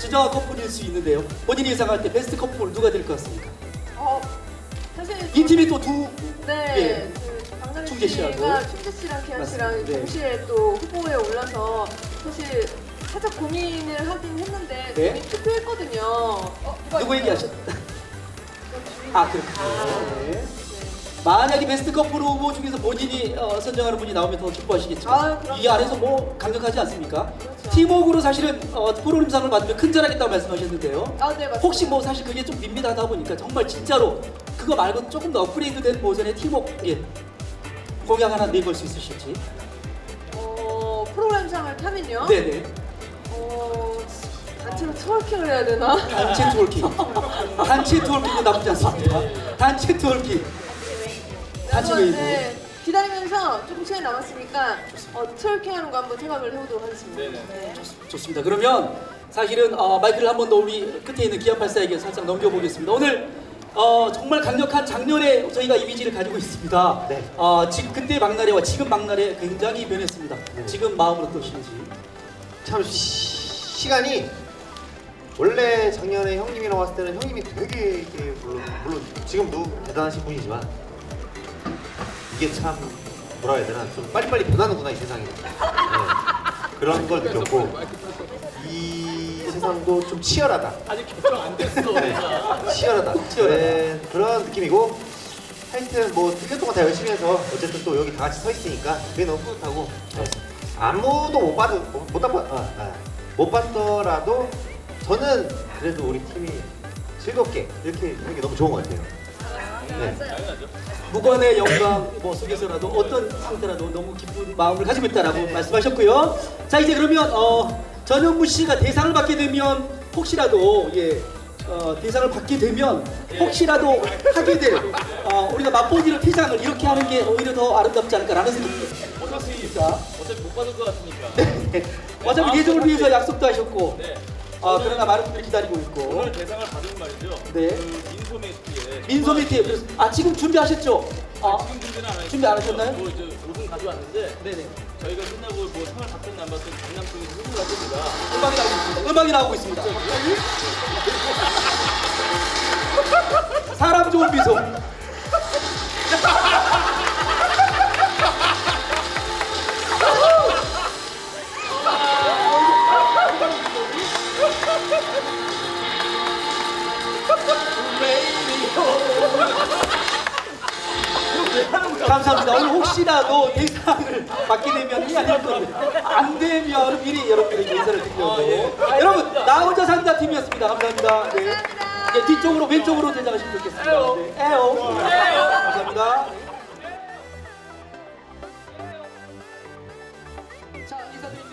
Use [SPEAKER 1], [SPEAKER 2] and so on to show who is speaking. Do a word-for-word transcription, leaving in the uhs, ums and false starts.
[SPEAKER 1] 진정한 커플일 수 있는데요. 본인이 예상할 때 베스트 커플 누가 될 것 같습니까?
[SPEAKER 2] 어, 사실
[SPEAKER 1] 이 팀이 또 두
[SPEAKER 2] 네,
[SPEAKER 1] 예.
[SPEAKER 2] 그 박나래
[SPEAKER 1] 충재
[SPEAKER 2] 씨가
[SPEAKER 1] 씨하고.
[SPEAKER 2] 충재 씨랑 기현
[SPEAKER 1] 맞습니다.
[SPEAKER 2] 씨랑
[SPEAKER 1] 네.
[SPEAKER 2] 동시에 또 후보에 올라서 사실 살짝 고민을 하긴 했는데
[SPEAKER 1] 네.
[SPEAKER 2] 이미 투표했거든요. 어, 누가
[SPEAKER 1] 누구
[SPEAKER 2] 있어요?
[SPEAKER 1] 얘기하셨다?
[SPEAKER 2] 주민-
[SPEAKER 1] 아 그렇군요. 네. 만약에 베스트 커플 후보 중에서 본인이 어, 선정하는 분이 나오면 더 기뻐하시겠죠.
[SPEAKER 2] 아, 그럼요.
[SPEAKER 1] 이 안에서 뭐 강력하지 않습니까?
[SPEAKER 2] 그렇죠.
[SPEAKER 1] 팀워크로 사실은 어, 프로그램상을 받으면 큰절하겠다고 말씀하셨는데요.
[SPEAKER 2] 아, 네, 맞습니다.
[SPEAKER 1] 혹시 뭐 사실 그게 좀 밋밋하다 보니까 정말 진짜로 그거 말고 조금 더 업그레이드된 버전의 팀워크 예. 공약 하나 내걸 수 있으실지.
[SPEAKER 2] 어, 프로그램상을 타면요.
[SPEAKER 1] 네네.
[SPEAKER 2] 어, 단체로 트월킹을 해야 되나?
[SPEAKER 1] 단체 트월킹. 단체 트월킹도 나쁘지 않습니다. 단체 트월킹. 단체
[SPEAKER 2] 한번,
[SPEAKER 1] 웨이브.
[SPEAKER 2] 네, 기다리면서 조금 시간이 남았으니까 어, 트월킹하는 거 한번 생각을 해보도록 하겠습니다.
[SPEAKER 3] 네네.
[SPEAKER 2] 네.
[SPEAKER 1] 좋습니다. 그러면 사실은 어, 마이크를 한 번 더 우리 끝에 있는 기안팔사에게 살짝 넘겨보겠습니다. 오늘 어, 정말 강력한 작년에 저희가 이미지를 가지고 있습니다.
[SPEAKER 4] 네.
[SPEAKER 1] 어, 지금 그때 박나래와 지금 박나래 굉장히 변했습니다. 지금 마음은 어떠신지?
[SPEAKER 4] 참 시, 시간이 원래 작년에 형님이랑 왔을 때는 형님이 되게 이게 물론 물론 지금도 대단하신 분이지만 이게 참 뭐라 해야 되나 좀 빨리빨리 변하는구나 이 세상이. 네. 그런 걸 느꼈고 이 세상도 좀 치열하다.
[SPEAKER 3] 아직 결정 안 됐어. 내가.
[SPEAKER 4] 치열하다. 네, 그런 느낌이고 하여튼 뭐 일 년 동안 다 열심히 해서 어쨌든 또 여기 다 같이 서 있으니까 그게 너무 뿌듯하고 네. 아무도 못 봐도 못 봤, 아, 아, 못 봤더라도 저는 그래도 우리 팀이 즐겁게 이렇게 하는 게 너무 좋은 것 같아요. 네.
[SPEAKER 3] 당연하죠.
[SPEAKER 1] 무관의 영광 뭐 속에서라도 어떤 상태라도 너무 기쁜 마음을 가지고 있다라고 말씀하셨고요. 자 이제 그러면 어, 전현무 씨가 대상을 받게 되면 혹시라도 예 어, 대상을 받게 되면 혹시라도 하게 될 어, 우리가 맛보기로 퇴장을 이렇게 하는 게 오히려 더 아름답지 않을까라는 생각이
[SPEAKER 3] 어차피
[SPEAKER 1] 듭니다.
[SPEAKER 3] 어차피 못 받을 것 같으니까.
[SPEAKER 1] 네. 어차피 예정을 위해서 약속도 하셨고
[SPEAKER 3] 네.
[SPEAKER 1] 어, 그러나 많은 분들이 기다리고 있고
[SPEAKER 3] 오늘 대상을 받은 말이죠.
[SPEAKER 1] 네.
[SPEAKER 3] 그 민소매트에.
[SPEAKER 1] 민소매트에 그래서 아 지금 준비하셨죠? 아,
[SPEAKER 3] 지금 준비는 안 하셨어요.
[SPEAKER 1] 준비 안 하셨나요?
[SPEAKER 3] 뭐 이제 옷은 가져왔는데
[SPEAKER 1] 네네.
[SPEAKER 3] 저희가 끝나고 뭐 상을 받든 안 받든 강남 쪽에서 흥을 할 겁니다.
[SPEAKER 1] 음악이 나오고 있습니다. 음악이 나오고 있습니다. 사람 좋은 미소. 감사합니다. 오늘 혹시라도 대상을 받게 되면 이 아닐 건데 안 되면 미리 여러분들에게 인사를 드리려고.
[SPEAKER 3] 아, 예.
[SPEAKER 1] 여러분 나 혼자 산다 팀이었습니다. 감사합니다. 네. 네, 뒤쪽으로 왼쪽으로 대장하시면 좋겠습니다. 네. 에오. 감사합니다.